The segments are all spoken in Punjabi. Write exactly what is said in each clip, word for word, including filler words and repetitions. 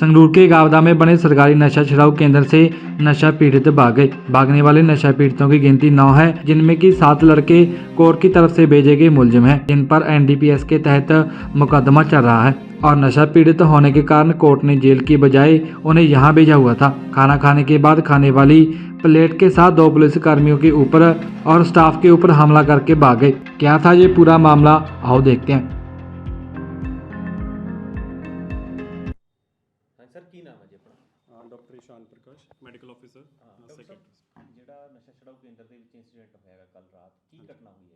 संगरूर के गावदा में बने सरकारी नशा छुड़ाऊ केंद्र से नशा पीड़ित भाग गए। भागने वाले नशा पीड़ितों की गिनती नौ है, जिनमें की सात लड़के कोर्ट की तरफ से भेजे गए मुलजिम हैं, जिन पर एन डी पी एस के तहत मुकदमा चल रहा है और नशा पीड़ित होने के कारण कोर्ट ने जेल की बजाय उन्हें यहाँ भेजा हुआ था। खाना खाने के बाद खाने वाली प्लेट के साथ दो पुलिस कर्मियों के ऊपर और स्टाफ के ऊपर हमला करके भाग गए। क्या था ये पूरा मामला, आओ देखते हैं। सर की नाम है जी अपना? Doctor Ishan Prakash medical officer secretary. ਜਿਹੜਾ ਨਸ਼ਾ ਛੁਡਾਊ ਕੇਂਦਰ ਦੇ ਵਿੱਚ ਇਨਸੀਡੈਂਟ ਹੋਇਆਗਾ ਕੱਲ ਰਾਤ, ਕੀ ਘਟਨਾ ਹੋਈ ਹੈ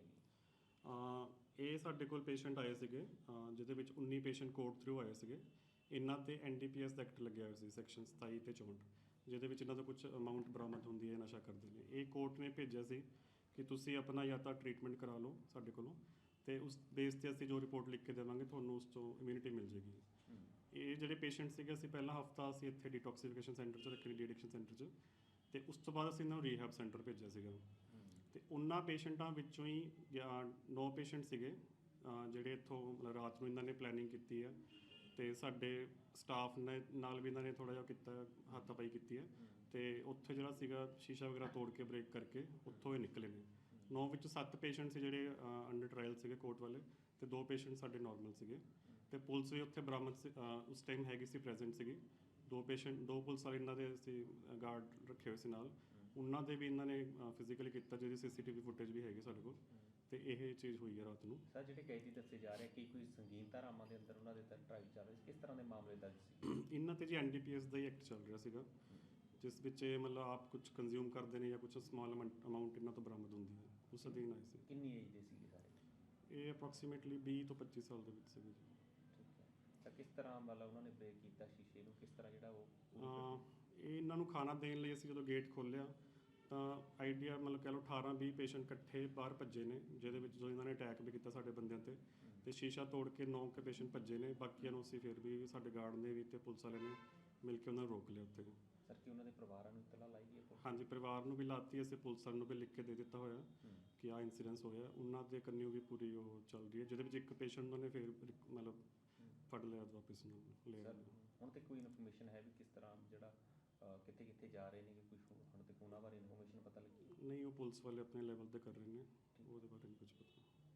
ਜੀ? ਇਹ ਸਾਡੇ ਕੋਲ ਪੇਸ਼ੈਂਟ ਆਏ ਸੀਗੇ, ਅਹ ਜਿਹਦੇ ਵਿੱਚ ਉੱਨੀ ਪੇਸ਼ੈਂਟ ਕੋਰਟ ਥਰੂ ਆਏ ਸੀਗੇ। ਇਹਨਾਂ ਤੇ ਐਨ ਡੀ ਪੀ ਐਸ ਦਾ ਐਕਟ ਲੱਗਿਆ ਹੋਇਆ ਸੀ ਸੈਕਸ਼ਨ ਸਤਾਈ ਤੇ ਚੌਂਹਠ, ਜਿਹਦੇ ਵਿੱਚ ਇਹਨਾਂ ਦਾ ਕੁਝ ਅਮਾਊਂਟ ਬਰਾਮਦ ਹੁੰਦੀ ਹੈ, ਨਸ਼ਾ ਕਰਦੇ ਨੇ। ਇਹ ਕੋਰਟ ਨੇ ਭੇਜਿਆ ਸੀ ਕਿ ਤੁਸੀਂ ਆਪਣਾ ਜਾਂ ਤਾਂ ਟਰੀਟਮੈਂਟ ਕਰਾ ਲਓ ਸਾਡੇ ਕੋਲੋਂ, ਤੇ ਉਸ ਬੇਸ 'ਤੇ ਅਸੀਂ ਜੋ ਰਿਪੋਰਟ ਲਿਖ ਕੇ ਦੇਵਾਂਗੇ ਤੁਹਾਨੂੰ ਉਸ ਤੋਂ ਇਮਿਊਨਿਟੀ ਮਿਲ ਜੇਗੀ। ਇਹ ਜਿਹੜੇ ਪੇਸ਼ੈਂਟ ਸੀਗੇ, ਅਸੀਂ ਪਹਿਲਾ ਹਫਤਾ ਅਸੀਂ ਇੱਥੇ ਡੀਟੌਕਸੀਫਿਕੇਸ਼ਨ ਸੈਂਟਰ 'ਚ ਰੱਖੇ, ਡੀ ਐਡਿਕਸ਼ਨ ਸੈਂਟਰ 'ਚ, ਅਤੇ ਉਸ ਤੋਂ ਬਾਅਦ ਅਸੀਂ ਇਹਨਾਂ ਨੂੰ ਰੀਹੈਬ ਸੈਂਟਰ ਭੇਜਿਆ ਸੀਗਾ। ਅਤੇ ਉਹਨਾਂ ਪੇਸ਼ੈਂਟਾਂ ਵਿੱਚੋਂ ਹੀ ਨੌ ਪੇਸ਼ੈਂਟ ਸੀਗੇ ਜਿਹੜੇ ਇੱਥੋਂ ਮਤਲਬ ਰਾਤ ਨੂੰ ਇਹਨਾਂ ਨੇ ਪਲੈਨਿੰਗ ਕੀਤੀ ਹੈ, ਅਤੇ ਸਾਡੇ ਸਟਾਫ ਨੇ ਨਾਲ ਵੀ ਇਹਨਾਂ ਨੇ ਥੋੜ੍ਹਾ ਜਿਹਾ ਕੀਤਾ, ਹੱਥਾਪਾਈ ਕੀਤੀ ਹੈ, ਅਤੇ ਉੱਥੇ ਜਿਹੜਾ ਸੀਗਾ ਸ਼ੀਸ਼ਾ ਵਗੈਰਾ ਤੋੜ ਕੇ ਬ੍ਰੇਕ ਕਰਕੇ ਉੱਥੋਂ ਇਹ ਨਿਕਲੇ ਨੇ। ਨੌ ਵਿੱਚੋਂ ਸੱਤ ਪੇਸ਼ੈਂਟ ਸੀ ਜਿਹੜੇ ਅੰਡਰ ਟਰਾਇਲ ਸੀਗੇ ਕੋਰਟ ਵਾਲੇ, ਅਤੇ ਦੋ ਪੇਸ਼ੈਂਟ ਸਾਡੇ ਨੋਰਮਲ ਸੀਗੇ। ਅਤੇ ਪੁਲਿਸ ਵੀ ਉੱਥੇ ਬਰਾਮਦ ਉਸ ਟਾਈਮ ਹੈਗੀ ਸੀ, ਪ੍ਰੈਜ਼ੈਂਟ ਸੀਗੀ। ਦੋ ਪੇਸ਼ੈਂਟ ਦੋ ਪੁਲਿਸ ਵਾਲੇ ਇਹਨਾਂ ਦੇ ਅਸੀਂ ਗਾਰਡ ਰੱਖੇ ਹੋਏ ਸੀ ਨਾਲ, ਉਹਨਾਂ ਦੇ ਵੀ ਇਹਨਾਂ ਨੇ ਫਿਜ਼ੀਕਲੀ ਕੀਤਾ, ਜਿਹਦੀ ਸੀ ਸੀ ਟੀ ਵੀ ਫੁਟੇਜ ਵੀ ਹੈਗੀ ਸਾਡੇ ਕੋਲ। ਅਤੇ ਇਹ ਚੀਜ਼ ਹੋਈ ਹੈ ਰਾਤ ਨੂੰ। ਸਰ ਜਿਹੜੇ ਕੈਦੀ ਦੱਸੇ ਜਾ ਰਹੇ ਕਿ ਕੋਈ ਸੰਗੀਨ ਧਾਰਾਵਾਂ ਦੇ ਅੰਦਰ ਉਹਨਾਂ ਦੇ ਤਹਿਤ ਟਰਾਇਲ ਚੱਲ ਰਹੀ ਸੀ, ਕਿਸ ਤਰ੍ਹਾਂ ਦੇ ਮਾਮਲੇ ਦਰਜ ਸੀ? ਇਹਨਾਂ 'ਤੇ ਜੀ ਐਨ ਡੀ ਪੀ ਐਸ ਦਾ ਹੀ ਐਕਟ ਚੱਲ ਰਿਹਾ ਸੀਗਾ, ਜਿਸ ਵਿੱਚ ਇਹ ਮਤਲਬ ਆਪ ਕੁਝ ਕੰਜ਼ਿਊਮ ਕਰਦੇ ਨੇ ਜਾਂ ਕੁਝ ਸਮਾਲ ਅਮਾਊਂਟ ਇਹਨਾਂ ਤੋਂ ਬਰਾਮਦ ਹੁੰਦੀ ਹੈ, ਉਸ ਅਧੀਨ ਆਏ ਸੀ। ਕਿੰਨੀ ਏਜ ਦੇ ਸੀਗੇ ਸਾਰੇ? ਇਹ ਅਪਰੋਕਸੀਮੇਟਲੀ ਵੀਹ ਤੋਂ ਪੱਚੀ ਸਾਲ ਦੇ ਵਿੱਚ ਸੀਗੇ ਜੀ। ਤਾਂ ਕਿਸ ਤਰ੍ਹਾਂ ਮਤਲਬ ਉਹਨਾਂ ਨੇ ਬ੍ਰੇਕ ਕੀਤਾ ਸ਼ੀਸ਼ੇ ਨੂੰ, ਕਿਸ ਤਰ੍ਹਾਂ ਜਿਹੜਾ ਉਹ ਇਹ ਇਹਨਾਂ ਨੂੰ ਖਾਣਾ ਦੇਣ ਲਈ ਅਸੀਂ ਜਦੋਂ ਗੇਟ ਖੋਲ੍ਹਿਆ ਤਾਂ ਆਈਡੀਆ ਮਤਲਬ ਕਹਿ ਲਓ ਅਠਾਰਾਂ ਵੀਹ ਪੇਸ਼ੈਂਟ ਇਕੱਠੇ ਬਾਹਰ ਭੱਜੇ ਨੇ, ਜਿਹਦੇ ਵਿੱਚ ਜੋ ਇਹਨਾਂ ਨੇ ਅਟੈਕ ਵੀ ਕੀਤਾ ਸਾਡੇ ਬੰਦਿਆਂ 'ਤੇ, ਅਤੇ ਸ਼ੀਸ਼ਾ ਤੋੜ ਕੇ ਨੌ ਕੁ ਪੇਸ਼ੈਂਟ ਭੱਜੇ ਨੇ। ਬਾਕੀਆਂ ਨੂੰ ਅਸੀਂ ਫਿਰ ਵੀ ਸਾਡੇ ਗਾਰਡ ਨੇ ਵੀ ਅਤੇ ਪੁਲਿਸ ਵਾਲਿਆਂ ਨੇ ਮਿਲ ਕੇ ਉਹਨਾਂ ਨੂੰ ਰੋਕ ਲਿਆ ਉੱਥੇ। ਸਰ ਕੀ ਉਹਨਾਂ ਦੇ ਪਰਿਵਾਰਾਂ ਨੂੰ ਇਤਲਾ ਲਾਈ ਗਈ ਹੈ? ਹਾਂਜੀ, ਪਰਿਵਾਰ ਨੂੰ ਵੀ ਲਾਤੀ, ਅਸੀਂ ਪੁਲਿਸ ਵਾਲਿਆਂ ਨੂੰ ਵੀ ਲਿਖ ਕੇ ਦੇ ਦਿੱਤਾ ਹੋਇਆ ਕਿ ਆਹ ਇੰਸੀਡੈਂਸ ਹੋਇਆ। ਉਹਨਾਂ ਦੇ ਕੰਨਿਓ ਵੀ ਪੂਰੀ ਉਹ ਚੱਲ ਰਹੀ ਹੈ, ਜਿਹਦੇ ਵਿੱਚ ਇੱਕ ਪੇਸ਼ੈਂਟ ਨੂੰ ਨੇ ਫਿਰ ਮਤਲਬ ਫੜ ਲਿਆ ਵਾਪਿਸ ਨੂੰ ਲਿਆ। ਹੁਣ ਤੱਕ ਕੋਈ ਇਨਫੋਰਮੇਸ਼ਨ ਹੈ ਵੀ ਕਿਸ ਤਰ੍ਹਾਂ ਜਿਹੜਾ ਕਿੱਥੇ ਕਿੱਥੇ ਜਾ ਰਹੇ ਨੇ, ਕੋਈ ਹੁਣ ਤੱਕ ਉਹਨਾਂ ਬਾਰੇ ਇਨਫੋਰਮੇਸ਼ਨ ਪਤਾ ਲੱਗੀ? ਨਹੀਂ, ਉਹ ਪੁਲਿਸ ਵਾਲੇ ਆਪਣੇ ਲੈਵਲ ਤੇ ਕਰ ਰਹੇ ਨੇ, ਉਹਦੇ ਬਾਰੇ ਨਹੀਂ ਕੁਝ ਪਤਾ।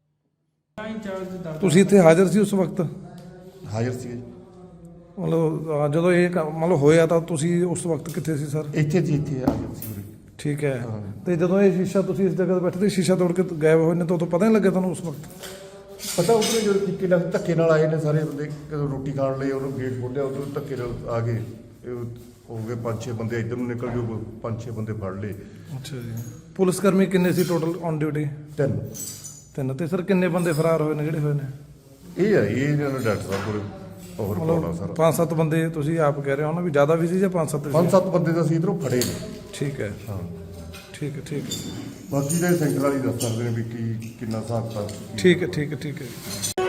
ਤੁਸੀਂ ਇੱਥੇ ਹਾਜ਼ਰ ਸੀ ਉਸ ਵਕਤ? ਹਾਜ਼ਰ ਸੀ ਜੀ। ਮਤਲਬ ਜਦੋਂ ਇਹ ਕੰਮ ਮਤਲਬ ਹੋਇਆ ਤਾਂ ਤੁਸੀਂ ਉਸ ਵਕਤ ਕਿੱਥੇ ਸੀ ਸਰ? ਇੱਥੇ ਜੀ ਇੱਥੇ ਹਾਜ਼ਰ ਸੀ ਉਰੇ। ਠੀਕ ਹੈ। ਤੇ ਜਦੋਂ ਇਹ ਸ਼ੀਸ਼ਾ ਤੁਸੀਂ ਇਸ ਜਗ੍ਹਾ ਤੇ ਬੈਠੇ ਤੇ ਸ਼ੀਸ਼ਾ ਤੋੜ ਕੇ ਗਾਇਬ ਹੋਏ ਨੇ ਤਾਂ ਉਦੋਂ ਪਤਾ ਨਹੀਂ ਲੱਗਿਆ ਤੁਹਾਨੂੰ ਉਸ ਵਕਤ? ਪਤਾ ਉਧਰੇ ਜਦੋਂ ਕਿੱਕੇ ਨਾਲ ਧੱਕੇ ਨਾਲ ਆਏ ਨੇ ਸਾਰੇ ਬੰਦੇ, ਜਦੋਂ ਰੋਟੀ ਖਾਣ ਲਈ ਉਹਨੂੰ ਗੇਟ ਖੋਲ੍ਹਿਆ ਉਦੋਂ ਧੱਕੇ ਨਾਲ ਆ ਗਏ। ਇਹ ਹੋ ਗਏ ਪੰਜ ਛੇ ਬੰਦੇ ਇੱਧਰ ਨੂੰ ਨਿਕਲ ਗਏ, ਪੰਜ ਛੇ ਬੰਦੇ ਫੜ ਲਏ। ਅੱਛਾ ਜੀ। ਪੁਲਿਸ ਕਰਮੀ ਕਿੰਨੇ ਸੀ ਟੋਟਲ ਔਨ ਡਿਊਟੀ? ਤਿੰਨ ਤਿੰਨ। ਤੇ ਸਰ ਕਿੰਨੇ ਬੰਦੇ ਫਰਾਰ ਹੋਏ ਨੇ ਜਿਹੜੇ ਹੋਏ ਨੇ? ਇਹ ਹੈ ਇਹ ਇਹਨਾਂ ਨੇ ਡਾਕਟਰ ਸਾਹਿਬ ਕੋਲ ਹੋਰ ਪਾਉਣਾ ਸਰ। ਪੰਜ ਸੱਤ ਬੰਦੇ ਤੁਸੀਂ ਆਪ ਕਹਿ ਰਹੇ ਹੋ ਨਾ ਵੀ ਜ਼ਿਆਦਾ ਵੀ ਸੀ ਜਾਂ ਪੰਜ ਸੱਤ? ਪੰਜ ਸੱਤ ਬੰਦੇ ਤਾਂ ਅਸੀਂ ਇੱਧਰੋਂ ਫੜੇ ਨੇ। ਠੀਕ ਹੈ। ਹਾਂ ਠੀਕ ਹੈ ਠੀਕ ਹੈ ਬਾਕੀ ਦੇ ਸੈਂਟਰ ਵਾਲੀ ਦੱਸ ਸਕਦੇ ਨੇ ਵੀ ਕੀ ਕਿੰਨਾ ਹਿਸਾਬ ਕਿਤਾਬ। ਠੀਕ ਹੈ ਠੀਕ ਹੈ ਠੀਕ ਹੈ।